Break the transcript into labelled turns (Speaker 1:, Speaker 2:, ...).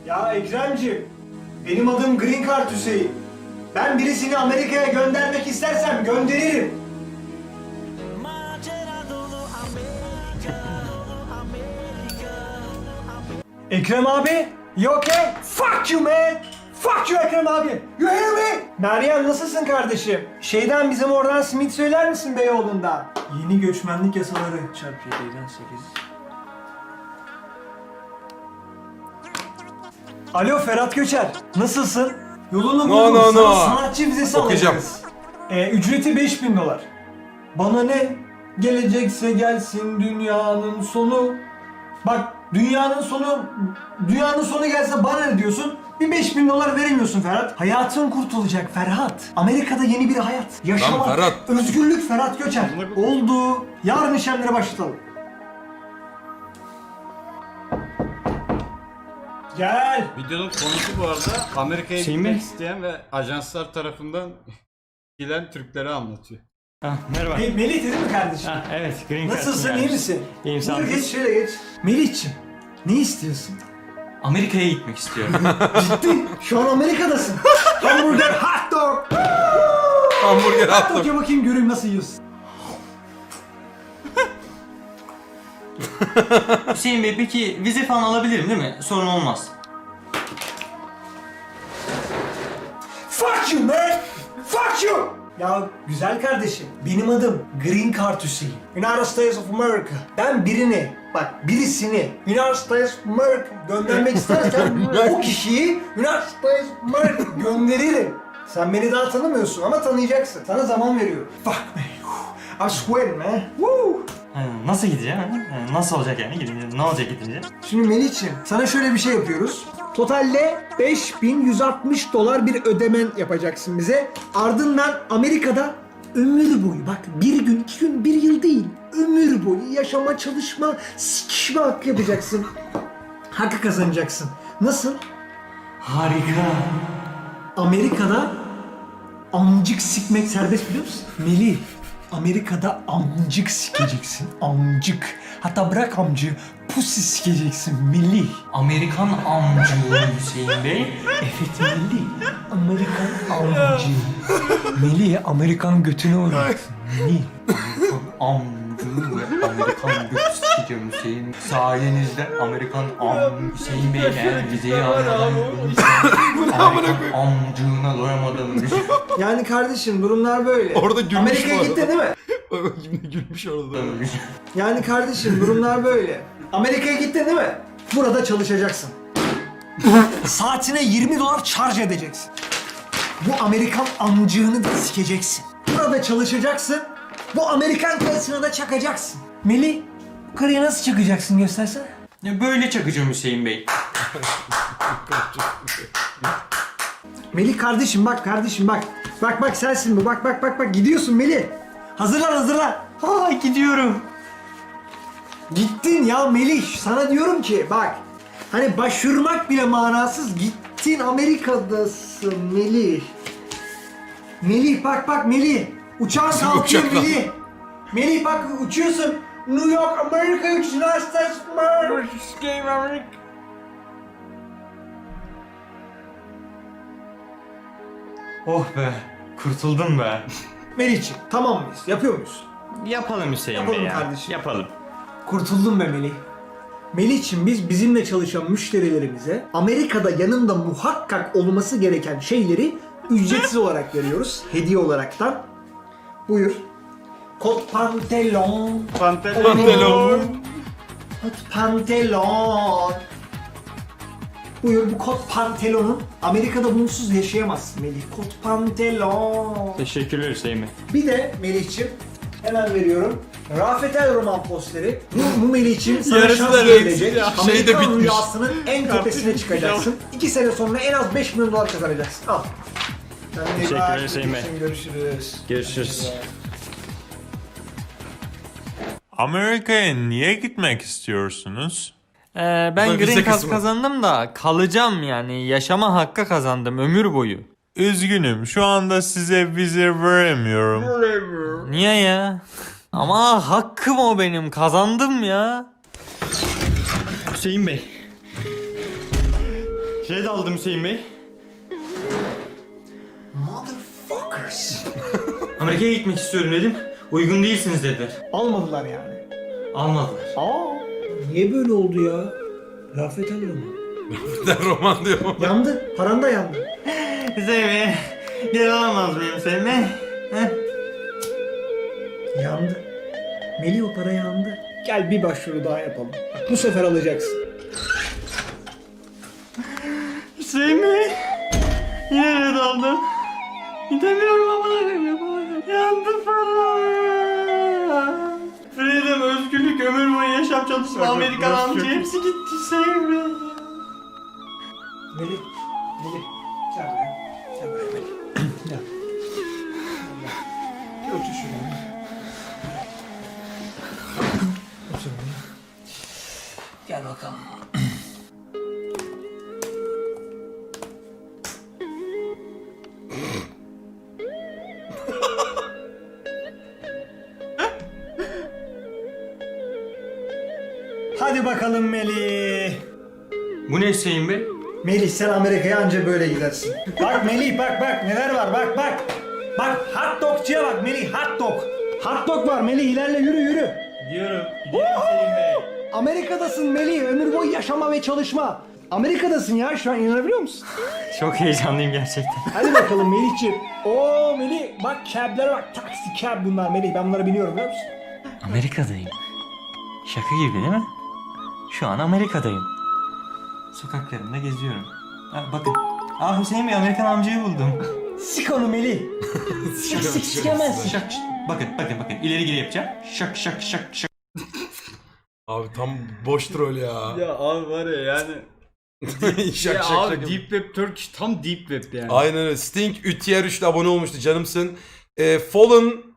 Speaker 1: Ya Ekremciğim, benim adım Green Card Hüseyin. Ben birisini Amerika'ya göndermek istersem gönderirim. Ekrem abi, you okay? Fuck you man! Fuck you Ekrem abi! You hear me? Meryem nasılsın kardeşim? Bizim oradan simit söyler misin Beyoğlu'nda? Yeni göçmenlik yasaları çarpı 7'den 8. Alo Ferhat Göçer, nasılsın? Yolunu buldum, sana sanatçı vizesi alacağız. Ücreti $5.000. Bana ne? Gelecekse gelsin dünyanın sonu. Bak dünyanın sonu gelse bana ne diyorsun? Bir $5.000 veremiyorsun Ferhat. Hayatın kurtulacak Ferhat. Amerika'da yeni bir hayat. Yaşamak,
Speaker 2: Ferhat.
Speaker 1: özgürlük Ferhat Göçer. Oldu. Yarın işlemlere başlatalım. Gel.
Speaker 3: Videonun konusu bu arada Amerika'ya gitmek isteyen ve ajanslar tarafından gelen Türkleri anlatıyor.
Speaker 4: Merhaba.
Speaker 1: Melih değil mi kardeşim?
Speaker 4: Evet, Green Card.
Speaker 1: Nasılsın, iyi misin?
Speaker 4: İyiyim, sağ
Speaker 1: Buyur,
Speaker 4: olun.
Speaker 1: geç şöyle geç. Melih'ciğim, ne istiyorsun?
Speaker 4: Amerika'ya gitmek istiyorum.
Speaker 1: Ciddi, şu an Amerika'dasın. Hamburger, hot dog.
Speaker 2: Hamburger
Speaker 1: Hot
Speaker 2: attım.
Speaker 1: dog'a bakayım göreyim nasıl yiyorsun.
Speaker 4: Hüseyin Bey, peki vize falan alabilirim değil mi? Sorun olmaz.
Speaker 1: Fuck you man! Fuck you! Ya güzel kardeşim, benim adım Green Card Hüseyin. United States of America. Ben birisini United States of America göndermek istersen o kişiyi United States of America gönderirim. Sen beni daha tanımıyorsun ama tanıyacaksın. Sana zaman veriyorum. Fuck me. I swear man. Woo.
Speaker 4: Nasıl gideceğim? Nasıl olacak yani gidince? Ne olacak gidince?
Speaker 1: Şimdi Melih'ciğim sana şöyle bir şey yapıyoruz. Totalde $5.160 bir ödemen yapacaksın bize. Ardından Amerika'da ömür boyu, bak bir gün, 2 gün, 1 yıl değil, ömür boyu yaşama, çalışma, sikişme hakkı yapacaksın. Hakkı kazanacaksın. Nasıl?
Speaker 4: Harika.
Speaker 1: Amerika'da amcık sikmek serbest biliyor musun? Melih, Amerika'da amcık sikeceksin, amcık. Hatta bırak amcığı, pussy sikeceksin Melih.
Speaker 4: Amerikan amcı Hüseyin Bey.
Speaker 1: Evet Melih, Amerikan amcı. Melih, Amerikan götüne uğraksın Melih.
Speaker 4: Amcı ve Amerikan götü sikeceğim Hüseyin. Sayenizde Amerikan Hüseyin Bey eğer vizeyi almadan Amerikan amcığına doyamadım.
Speaker 1: Yani kardeşim durumlar böyle.
Speaker 2: Orada gülmüş
Speaker 1: Amerika'ya
Speaker 2: bu arada.
Speaker 1: gittin değil mi?
Speaker 2: Şimdi gülmüş orada.
Speaker 1: Yani kardeşim durumlar böyle. Amerika'ya gittin değil mi? Burada çalışacaksın. Saatine $20 charge edeceksin. Bu Amerikan amcığını da sikeceksin. Burada çalışacaksın. Bu Amerikan karısına da çakacaksın. Melih, yukarıya nasıl çıkacaksın göstersene.
Speaker 4: Böyle çakacağım Hüseyin Bey.
Speaker 1: Melih kardeşim bak kardeşim bak. Bak sensin bu. Bak gidiyorsun Melih. Hazırlan.
Speaker 4: Ha, gidiyorum.
Speaker 1: Gittin ya Melih. Sana diyorum ki bak. Hani başvurmak bile manasız. Gittin Amerika'dasın Melih. Melih bak Melih. Uçağın
Speaker 2: Nasıl
Speaker 1: kalkıyor
Speaker 2: uçak lan?
Speaker 1: Melih. Melih bak uçuyorsun. New York, Amerika, United States of America.
Speaker 4: Oh be, kurtuldum be.
Speaker 1: Melih'ciğim tamam mıyız? Yapıyor muyuz?
Speaker 4: Yapalım Hüseyin
Speaker 1: Yapalım
Speaker 4: Bey ya.
Speaker 1: kardeşim.
Speaker 4: Yapalım.
Speaker 1: Kurtuldum be Melih. Melih'ciğim biz bizimle çalışan müşterilerimize Amerika'da yanında muhakkak olması gereken şeyleri ücretsiz olarak veriyoruz. Hediye olaraktan. Buyur. Kot pantolon.
Speaker 2: Pantolon.
Speaker 1: Kot pantolon. Buyur bu kot pantolonun Amerika'da bunsuz yaşayamazsın Melih. Kot pantolon.
Speaker 4: Teşekkürler Hüseyin Bey.
Speaker 1: Bir de Melih'ciğim hemen veriyorum. Rafet El Roman posteri. Bu Melih'ciğim sana
Speaker 2: Yarısı
Speaker 1: şans
Speaker 2: da
Speaker 1: verilecek.
Speaker 2: ya.
Speaker 1: Amerikan
Speaker 2: Şey de bitmiş.
Speaker 1: rüyasının en tepesine çıkacaksın. 2 sene sonra en az $5.000 kazanacaksın. Al. Kendine iyi
Speaker 4: Teşekkürler
Speaker 1: bak.
Speaker 4: Hüseyin Bey.
Speaker 1: Görüşürüz.
Speaker 4: Görüşürüz.
Speaker 5: Amerika'ya niye gitmek istiyorsunuz?
Speaker 4: Ben
Speaker 2: Bu da vize
Speaker 4: Green Card
Speaker 2: kısmı.
Speaker 4: kazandım da kalacağım yani. Yaşama hakkı kazandım ömür boyu.
Speaker 5: Üzgünüm, şu anda size vize veremiyorum.
Speaker 4: Niye ya? Ama hakkım o benim. Kazandım ya. Hüseyin Bey. Şey de aldım Hüseyin Bey.
Speaker 1: Motherfuckers.
Speaker 4: Amerika'ya gitmek istiyorum dedim. Uygun değilsiniz dediler.
Speaker 1: Almadılar yani.
Speaker 4: Almadılar.
Speaker 1: Niye böyle oldu ya? Rafet alıyor mu?
Speaker 2: Roman diyor.
Speaker 1: Yandı. Paran da yandı.
Speaker 4: Hüseyin Bey. Geri alamaz mıyım Hüseyin Bey?
Speaker 1: Yandı. Melih o para yandı. Gel bir başvuru daha yapalım. Bak, bu sefer alacaksın.
Speaker 4: Hüseyin Bey. Yine red aldım. Gidemiyorum ama yapamadım. Yandı para. Freedom, özgürlük, ömür boyu yaşam çalışma, Amerikan amca hepsi gitti Hüseyin Bey.
Speaker 1: Melih. Melih. Gel buraya. Gel buraya Melih. Gel. Gel. Otur şuraya. Otur buraya. Gel bakalım. Hadi bakalım Melih.
Speaker 4: Bu ne Hüseyin Bey?
Speaker 1: Melih sen Amerika'ya anca böyle gidersin. Bak Melih bak neler var bak. Bak hot dogçuya bak Melih hot dog. Hot dog var Melih ilerle yürü.
Speaker 4: Gidiyorum Hüseyin Bey.
Speaker 1: Amerika'dasın Melih ömür boyu yaşama ve çalışma. Amerika'dasın ya şu an inanabiliyor musun?
Speaker 4: Çok heyecanlıyım gerçekten.
Speaker 1: Hadi bakalım Melih'ciğim. Oo Melih bak cablere bak taksi cab bunlar Melih ben bunları biliyorum biliyor musun?
Speaker 4: Amerika'dayım. Şaka gibi değil mi? Şu an Amerika'dayım. Sokaklarında geziyorum. Ha, bakın. Hüseyin Bey Amerikan amcayı buldum.
Speaker 1: Sik onu Melih. Sikemezsin.
Speaker 4: Şak, bakın. İleri geri yapacağım. Şak.
Speaker 2: Abi tam boş troll ya.
Speaker 3: Ya abi var ya yani.
Speaker 2: şak
Speaker 3: Ya
Speaker 2: şak
Speaker 3: abi
Speaker 2: şak.
Speaker 3: Deep Web Turkish tam Deep Web yani.
Speaker 2: Aynen öyle. Sting Ütyer 3'te abone olmuştu canımsın. Fallen